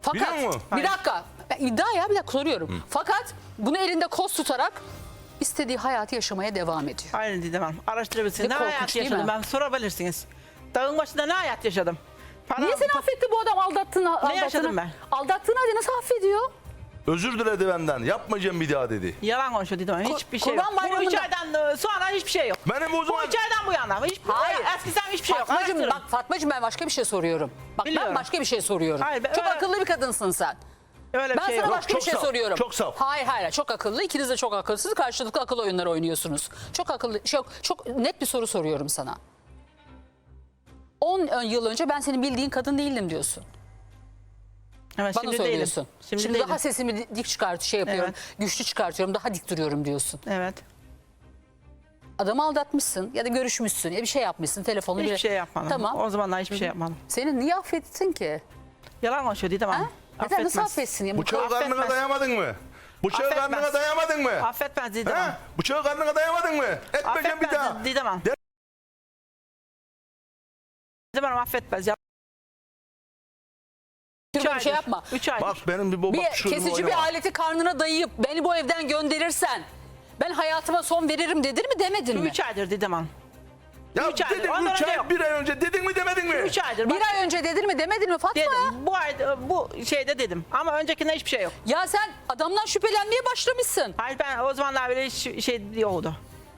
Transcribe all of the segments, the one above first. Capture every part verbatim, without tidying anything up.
Fakat Biliyor musun? bir dakika. Ben iddia ya bir dakika soruyorum. Hı. Fakat bunu elinde koz tutarak istediği hayatı yaşamaya devam ediyor. Aynen Didem Hanım. Araştırabilirsiniz. Ne Ne, korkunç hayat değil yaşadım mi? ben sorabilirsiniz. Dağın başında ne hayat yaşadım? Para, Niye seni pa- affetti bu adam aldattığını? aldattığını yaşadım ben? Aldattığını hadi nasıl affediyor? Özür diledi benden. Yapmayacağım bir daha dedi. Yalan konuşuyor Didem Hanım. Kur- Hiçbir şey yok. Kurban Bu üç Bayramı'nda- aydan sonra hiçbir şey yok. Benim o zaman... Bu üç aydan bu yana. Hiç, Hayır. Eskiden hiçbir şey yok. Fatmacığım, Araştırın. bak Fatmacığım ben başka bir şey soruyorum. Bak ben Biliyorum. başka bir şey soruyorum. Hayır, ben çok öyle- akıllı bir kadınsın sen. Öyle bir Ben şey sana yok. başka Çok bir şey saf, soruyorum. çok saf. Hayır hayır çok akıllı. İkiniz de çok akılsız. Karşılıklı akıl oyunları oynuyorsunuz. Çok akıllı. Çok, çok net bir soru soruyorum sana. on yıl önce ben senin bildiğin kadın değildim diyorsun. Evet, Bana şimdi söylüyorsun. değilim. Şimdi, Şimdi değilim. daha sesimi dik çıkart şey yapıyorum. Güçlü çıkartıyorum. Daha dik duruyorum diyorsun. Evet. Adamı aldatmışsın ya da görüşmüşsün ya bir şey yapmışsın telefonla. Hiçbir bir- şey yapmadım. Tamam. O zamanlar hiçbir şey yapmadım. Seni niye affettin ki? Yalan konuşuyor Didem Ha? Hanım. Neden nasıl Affetmez. affetsin ya? Bu Bıçağı kadar- karnına affetmez. dayamadın mı? Bıçağı Affetmez. karnına dayamadın mı? Affetmez Didem Hanım. Ha? Bıçağı karnına dayamadın mı? Etmeyeceğim bir daha. Affetmez Didem Hanım. De- Didem Hanım affetmez. Ya. Üç bir şey aydır. yapma. Üç aydır. Bak benim bir baba Bir kesici bir aleti karnına dayayıp beni bu evden gönderirsen ben hayatıma son veririm dedin mi demedin mi? Üç aydır Didem Hanım. Ya üç aydır, dedin ondan üç önce ay, yok. bir ay önce dedin mi demedin mi? Üç aydır. Bir Bak, ay önce dedin mi demedin mi Fatma ya? dedim. Bu ay bu şeyde dedim. Ama öncekinde hiçbir şey yok. Ya sen adamdan şüphelenmeye başlamışsın. Hayır ben o zamanlar böyle hiç şey yoktu.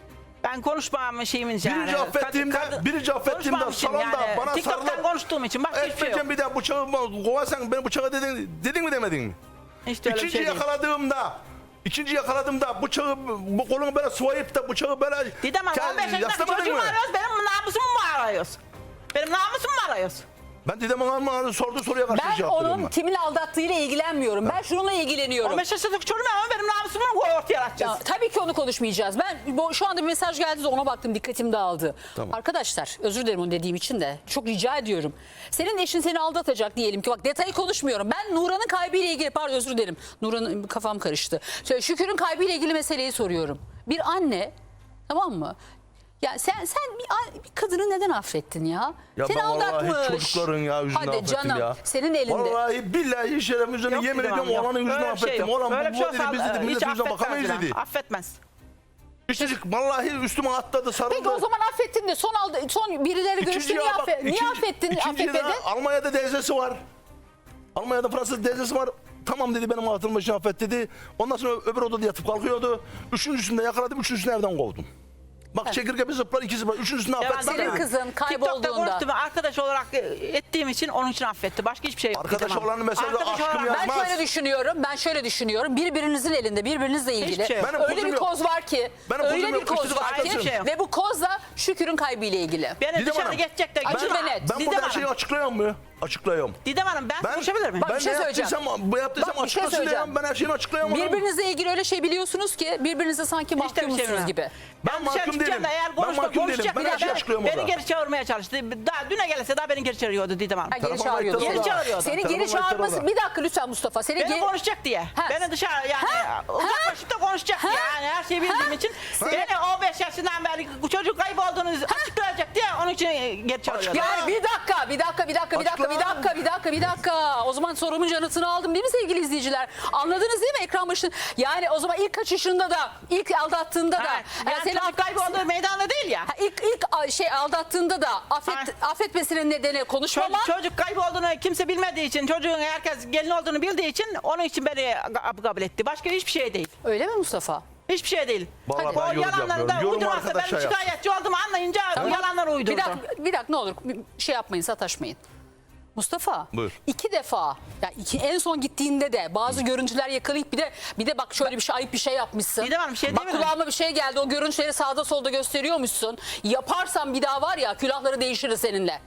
Ben konuşmam şeyimiz yani. Birinci affettiğimde, Kadın- birinci affettiğimde konuşmamışım salonda yani. bana TikTok'tan sarılıp konuştuğum için başka hiçbir şey yok. etmeyeceğim bir daha bıçağı kovarsan beni bıçağı dedin, dedin mi demedin mi? Hiç de öyle bir İkinci şey değil. yakaladığımda İkinci yakaladığımda bıçağı, bu kolunu böyle sıvayıp da bıçağı böyle... Didem Hanım Ke- on beş yaşındaki yaslamadın çocuğu mu mı? arıyoruz? Benim namusumu mu arıyoruz? Benim namusumu mu arıyoruz? Ben Didem Hanım'ın sorduğu soruya karşı Ben cevap veriyorum onun ben. kimin aldattığıyla ilgilenmiyorum. Ben şununla ilgileniyorum. on beş yaşındaki çocuğu mu ama benim namusumu mu ortaya atacağız? Ya, tabii ki onu konuşmayacağız. Ben bu, şu anda bir mesaj geldi de ona baktım, dikkatim dağıldı. Tamam. Arkadaşlar özür dilerim onu dediğim için de çok rica ediyorum. Senin eşin seni aldatacak diyelim ki, bak detayı konuşmuyorum. Ben Nuran'ın kaybıyla ilgili, pardon özür dilerim. Nuran'ın kafam karıştı. Şöyle, Şükür'ün kaybıyla ilgili meseleyi soruyorum. Bir anne, tamam mı? Ya sen sen bir, bir kadını neden affettin ya? Ya Seni ben aldatmış. vallahi çocukların ya yüzünden Hadi affettim canım, ya. senin elinde. Vallahi billahi şeref üzerine Yok yemin Didem ediyorum Hanım, yok. oğlanın yüzünden Öyle bir şey affettim. yok. Oğlan Öyle bu bir şey bu dedi olsa, biz dedi hiç millet yüzünden affetmez bakamayız Didem. dedi. Affetmez. Küçücük vallahi üstüme atladı sarıldı. Peki o zaman affettin de son aldı, son birileri görüştü İkinciye niye, bak, affe, niye ikinci- affettin? ikinciye Affetmedin? de Almanya'da teyzesi var. Almanya'da Fransız teyzesi var. Tamam dedi benim hatırım için affet dedi. Ondan sonra öbür odada yatıp kalkıyordu. Üçüncüsünde yakaladım, üçüncüsünü evden kovdum. Bak çekirge bir zıplar, iki zıplar. Üçüncüsünü Ya ben affetmem. Senin yani. kızın TikTok'ta kaybolduğunda. konuştum. Arkadaş olarak ettiğim için onun için affetti. Başka hiçbir şey yok. Arkadaş Didem Hanım. olanı mesela Arkadaş aşkım olarak- ya. Ben Yapmaz. şöyle düşünüyorum, ben şöyle düşünüyorum. Birbirinizin elinde, birbirinizle ilgili Hiçbir şey yok. Benim öyle kozum bir yok. koz var ki, Benim öyle kozum bir yok, koz üstelik var hiçbir ki şey yok. ve bu koz da Şükür'ün kaybıyla ilgili. Beni Didem dışarı Hanım, geçecek de. Açık Didem ve Hanım, net. Ben Didem burada her şeyi Hanım. açıklıyorum mu? Açıklıyorum. Didem Hanım ben Ben, konuşabilir miyim? Bak, ben bir şey ne söyleyeceğim. yaptıysam, bu yaptıysam Bak, bir şey açıklasın söyleyeceğim. diyorum. Ben her şeyini açıklayamam. Birbirinizle ilgili öyle şey biliyorsunuz ki birbirinize sanki Hiç de bir şey mahkumsunuz bilmem. gibi. Ben Ben dışarı mahkum çıkacağım değilim. da eğer Ben konuşma, mahkum değilim. konuşacak Ben bir her şeyi daha açıklıyorum beni orada. geri çağırmaya çalıştı. Daha düne gelse daha beni geri çağırıyordu Didem Hanım. Ha, geri Telefon çağırıyordu. kayıtları Geri çağırıyordu. Seni Telefon geri kayıtları çağırması, orada. bir dakika lütfen Mustafa. Seni Beni geri... konuşacak diye. Ha. Beni dışarı yani Ha. uzaklaşıp da konuşacak Ha. yani her şeyi bildiğim Ha. için. Beni on beş yaşından beri bu çocuk kaybolduğunu açıklayacak diye onun için geri çağırıyordu. Yani bir dakika, bir dakika, bir dakika, bir dakika, bir dakika, bir dakika, bir dakika. O zaman sorumun yanıtını aldım değil mi sevgili izleyiciler? Anladınız değil mi ekran başında? Yani o zaman ilk kaçışında da, ilk aldattığında da, Ha, yani yani seni çocuk kaybolduğu meydanda değil ya. Ha, ilk ilk a- şey aldattığında da affet, affetmesinin nedeni konuşmaman. Çocuk, çocuk kaybolduğunu kimse bilmediği için, çocuğun herkes gelin olduğunu bildiği için onun için beni kabul etti. Başka hiçbir şey değil. Öyle mi Mustafa? Hiçbir şey değil. Vallahi Hadi. ben O yorum yalanları yapmıyorum. da Yorum uydurmazsa ben arkadaşa yap. şikayetçi olduğumu anlayınca bu yalanları uydurdu. Bir dakika, bir dakika ne olur bir şey yapmayın, sataşmayın. Mustafa, Buyur. iki defa, ya iki, en son gittiğinde de bazı görüntüler yakalayıp bir de bir de bak şöyle bir şey, ayıp bir şey yapmışsın. Didem Hanım, bir şey bak değil mi? kulağıma bir şey geldi, o görüntüleri sağda solda gösteriyormuşsun. Yaparsan bir daha var ya, külahları değiştirir seninle.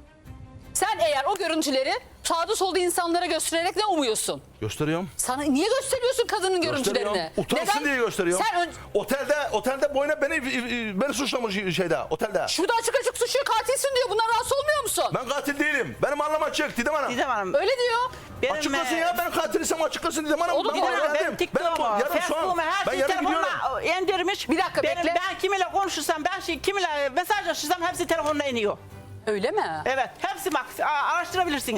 Sen eğer o görüntüleri sağda solda insanlara göstererek ne umuyorsun? Gösteriyorum. Sana niye gösteriyorsun kadının görüntülerini? Gösteriyorum. Utansın diye gösteriyorum. Sen ön- Otelde otelde boyuna beni beni suçlamış şeyde otelde. şurada açık açık suçluyor, katilsin diyor. Bundan rahatsız olmuyor musun? Ben katil değilim. Benim anlam açık Didem Hanım. Didem Hanım. Öyle diyor. Benim, Açıklasın e, ya ben katilisem açıklasın Didem Hanım. Oğlum, Ben Didem buraya Hanım, Benim geldim. TikTok'umu, Ben yarın şu an- Facebook'umu her ben şeyi yarın gidiyorum. telefonuna indirmiş. Bir dakika, Benim, bekle. Ben kiminle konuşursam, ben şey, kiminle mesajlaşırsam hepsi telefonuna iniyor. Öyle mi? Evet, hepsi bak a- araştırabilirsiniz.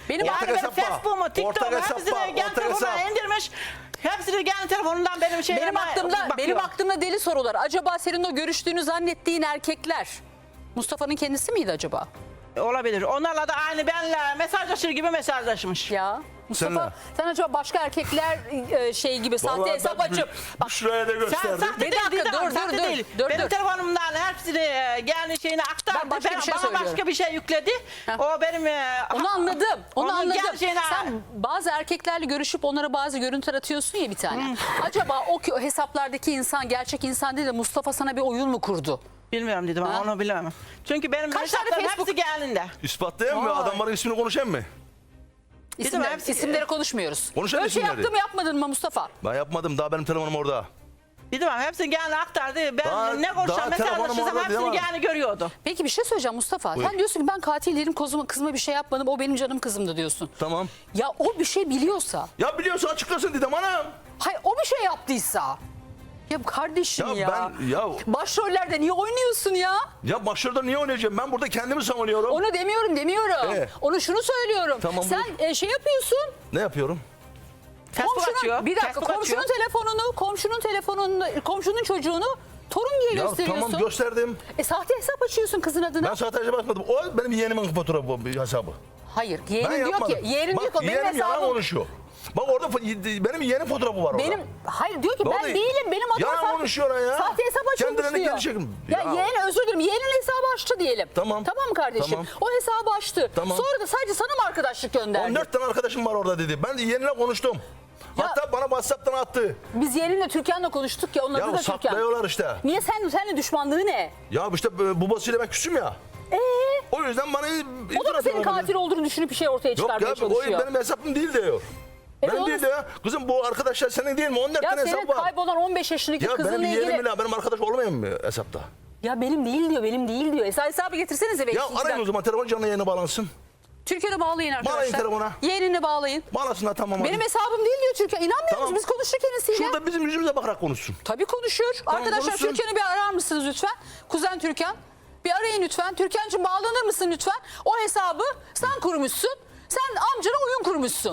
Benim ortak Yani benim hesap var. Facebook'umu, Ortak TikTok'umu hesap hepsini var, kendi ortak telefonuna hesap. indirmiş. Hepsini kendi telefonundan benim şeylerime Benim aklımda bakıyor. benim aklımda deli sorular. Acaba senin o görüştüğünü zannettiğin erkekler Mustafa'nın kendisi miydi acaba? Olabilir. Onlarla da aynı benle mesajlaşır gibi mesajlaşmış. Ya Mustafa Seninle. sen acaba başka erkekler e, şey gibi sahte Vallahi hesap ben açıp bir- bir şuraya da Sen gösterdim. sahte Bir değil, dakika, Didem, dur, sahte dur, değil. dur, Benim dur. telefonumdan hepsini e, kendi şeyini aktardı. Ben başka bir şey bana söylüyorum. başka bir şey yükledi. Heh. O benim... e, onu anladım. Onu onun anladım. kendi şeyine- Sen bazı erkeklerle görüşüp onlara bazı görüntüler atıyorsun ya bir tane. Acaba o, ki- o hesaplardaki insan gerçek insan değil de Mustafa sana bir oyun mu kurdu? Bilmiyorum dedim ama Ha? onu bilemem. Çünkü benim Kaç tane hesaplarım Facebook- hepsi geldiğinde. İspatlayayım mı? Vay. Adamların ismini konuşayım mı? İsimler, hepsi- isimleri konuşmuyoruz. Konuşalım Öyle şey isimleri. yaptın mı yapmadın mı Mustafa? Ben yapmadım. Daha benim telefonum orada. Dedim ama hepsini geldi aktardı. Ben Daha- ne daha konuşacağım telefonum mesajlaşırsam orada hepsini değil mi? geldi görüyordu. Peki bir şey söyleyeceğim Mustafa. Buyur. Sen diyorsun ki ben katil değilim kızıma, kızıma bir şey yapmadım. O benim canım kızımdı diyorsun. Tamam. Ya o bir şey biliyorsa, Ya biliyorsa açıklasın Didem Hanım. hayır o bir şey yaptıysa. Ya kardeşim ya. Ya ben- ya- Başrollerde niye oynuyorsun ya? Ya başlarda niye oynayacağım? Ben burada kendimi savunuyorum. Onu demiyorum demiyorum. Ee? Onu şunu söylüyorum. Tamam, Sen buyur. e, şey yapıyorsun. Ne yapıyorum? Facebook komşunun, açıyor. bir dakika Facebook komşunun açıyor. telefonunu, komşunun telefonunu, komşunun çocuğunu torun diye Ya gösteriyorsun. tamam gösterdim. E sahte hesap açıyorsun kızın adına. Ben sahteci bakmadım. O benim yeğenimin fotoğrafı bu hesabı. Hayır. Ben Yeğenin diyor yapmadım. ki, yeğenin Bak, diyor ki benim yeğenim yalan hesabım. konuşuyor. Bak orada fo- benim yeğenim fotoğrafı var orada. Benim hayır diyor ki ben Vallahi değilim benim adım yalan sahte- konuşuyor ya. Sahte hesap açılmış Kendilerini diyor. geri çekin. Ya, Ya. yeğen özür dilerim yeğenin hesabı açtı diyelim. Tamam. Tamam mı kardeşim? Tamam. O hesabı açtı. Tamam. Sonra da sadece sana mı arkadaşlık gönderdi? on dört tane arkadaşım var orada dedi. Ben de yeğenine konuştum. Ya- Hatta bana WhatsApp'tan attı. Biz yeğeninle Türkan'la konuştuk ya onun adı Ya da Türkan. saklıyorlar işte. Niye sen seninle düşmanlığı ne? Ya işte e, babasıyla ben küsüm ya. Ee, O yüzden bana o da iftira mı senin atıyorlar. katil olduğunu düşünüp bir şey ortaya Yok çıkarmaya ya o çalışıyor? benim hesabım değil diyor. Evet, benim onu- değil diyor. Kızım bu arkadaşlar senin değil mi? on dört Ya tane senin hesap var. kaybolan on beş yaşındaki Ya kızınla benim ilgili... yeğenim ile benim arkadaş olmayan mı hesapta? Ya benim değil diyor, benim değil diyor. Hesabı, hesabı getirsenize belki. Ya arayın o zaman telefon canlı yayına bağlansın. Türkan'ı bağlayın arkadaşlar. Bağlayın telefona. Yeğenini bağlayın. Bağlasınlar tamam. Benim hadi. hesabım değil diyor Türkan. İnanmıyor Tamam. musunuz? Biz konuştuk kendisiyle. Şurada bizim yüzümüze bakarak konuşsun. Tabii konuşur. Tamam, Arkadaşlar konuşsun. Türkan'ı bir arar mısınız lütfen? Kuzen Türkan. Bir arayın lütfen. Türkan'cığım bağlanır mısın lütfen? O hesabı sen kurmuşsun. Sen amcana oyun kurmuşsun.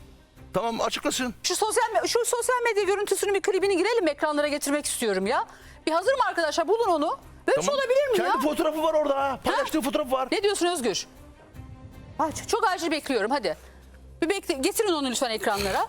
Tamam açıklasın. Şu sosyal me- şu sosyal medya görüntüsünün bir klibini girelim ekranlara getirmek istiyorum ya. Bir hazır mı arkadaşlar? Bulun onu. Böyle bir şey Tamam. olabilir mi Kendi ya? fotoğrafı var orada. ha. Paylaştığı fotoğraf var. Ne diyorsun Özgür? Ay, ç- çok acil bekliyorum hadi. Bir bekle, getirin onu lütfen ekranlara.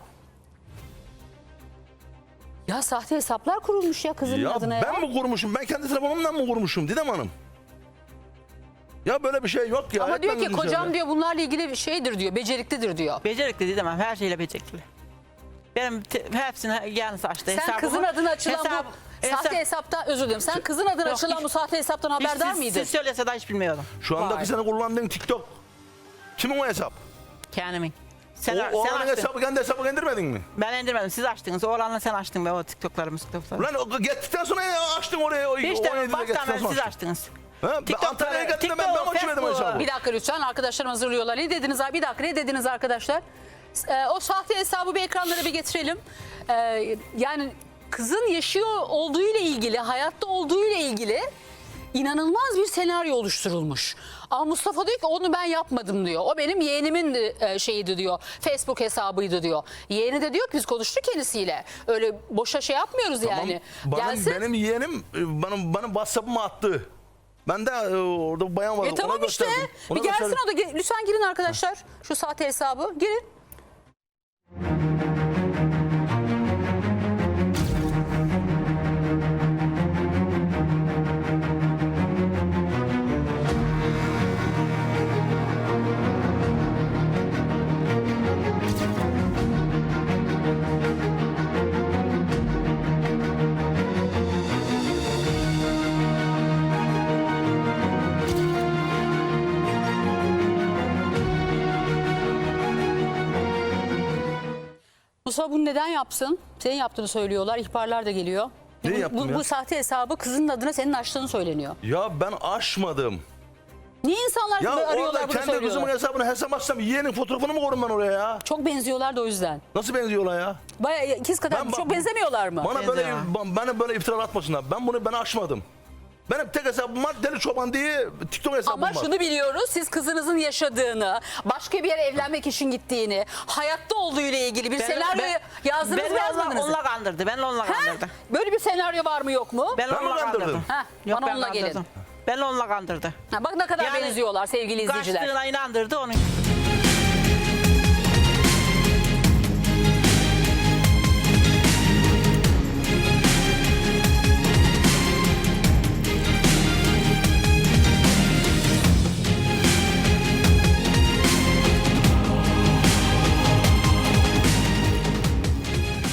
Ya sahte hesaplar kurulmuş ya kızın Ya adına ya. ben mi kurmuşum? Ben kendi telefonumdan mı kurmuşum Didem Hanım? Ya böyle bir şey yok ya. Ama diyor Etmem ki gözünü kocam seveyim. diyor bunlarla ilgili bir şeydir diyor. Beceriklidir diyor. Becerikli dedim ama her şeyle becerikli. Benim te- hepsini geldi açtı. Sen hesabımı. kızın adına açılan Hesap- bu sahte hesap- hesaptan özür dilerim. Sen kızın adına Yok, açılan hiç- bu sahte hesaptan Hiç haberdar siz, mıydın? siz söylese de hiç bilmiyordum. Şu andaki Vay. senin kullandığın TikTok. Kimin o hesap? Kendimin. Sen, o sen oğlanın açtın. hesabı kendi hesabı indirmedin mi? Ben indirmedim. Siz açtınız. Oğlanla sen açtın be o TikTok'ları, TikTok'ları. Ulan o gittikten sonra ya açtın oraya. O, Hiç o de yediye baştan gittikten beri sonra siz açtın. açtınız. Ha, ben TikTok'ları, Antalya'ya gittim ben, ben TikTok, açmadım o Facebook. hesabı. Bir dakika lütfen arkadaşlarım hazırlıyorlar. Ne dediniz abi? Bir dakika ne dediniz arkadaşlar? Ee, o sahte hesabı bir ekranlara bir getirelim. Ee, yani kızın yaşıyor olduğu ile ilgili, hayatta olduğu ile ilgili inanılmaz bir senaryo oluşturulmuş. Ama Mustafa diyor ki onu ben yapmadım diyor. O benim yeğenimin de, e, şeyiydi diyor. Facebook hesabıydı diyor. Yeğeni de diyor ki biz konuştuk kendisiyle. Öyle boşa şey yapmıyoruz yani. Benim, Gelsin. benim yeğenim e, bana, bana WhatsApp'ıma attı. Ben de e, orada bir bayan vardı. E tamam ona işte. gösterdim. Ona Bir gelsin gösterdim. o da. Ge- Lütfen girin arkadaşlar. Şu sahte hesabı. Girin. Mustafa bunu neden yapsın? Senin yaptığını söylüyorlar. İhbarlar da geliyor. Ne bu, yaptım bu, ya? bu sahte hesabı kızının adına senin açtığını söyleniyor. Ya ben açmadım. Niye insanlar Ya böyle arıyorlar orada bunu kendi söylüyorlar? kızımın hesabını hesap açsam yeğenin fotoğrafını mı korum ben oraya ya? Çok benziyorlar da o yüzden. Nasıl benziyorlar ya? Bayağı ikiz kadar Ben- çok benzemiyorlar mı? Bana böyle Benziyor. ba- bana böyle iftira atmasınlar. Ben bunu ben açmadım. Benim tek hesabım var Deli Çoban diye TikTok hesabım Ama var. şunu biliyoruz, siz kızınızın yaşadığını, başka bir yere evlenmek için gittiğini, hayatta olduğu ile ilgili bir Ben- senaryo ben- yazdınız beni mı onunla, yazmadınız mı? onunla kandırdı. Ben onunla Ha? kandırdı. Böyle bir senaryo var mı yok mu? Ben Ben mi onunla kandırdım? kandırdım. Ha, Yok, bana ben onunla gelin. kandırdım. Ben onunla kandırdı. Ha, bak ne kadar Yani benziyorlar sevgili izleyiciler. Kaçtığına inandırdı onu.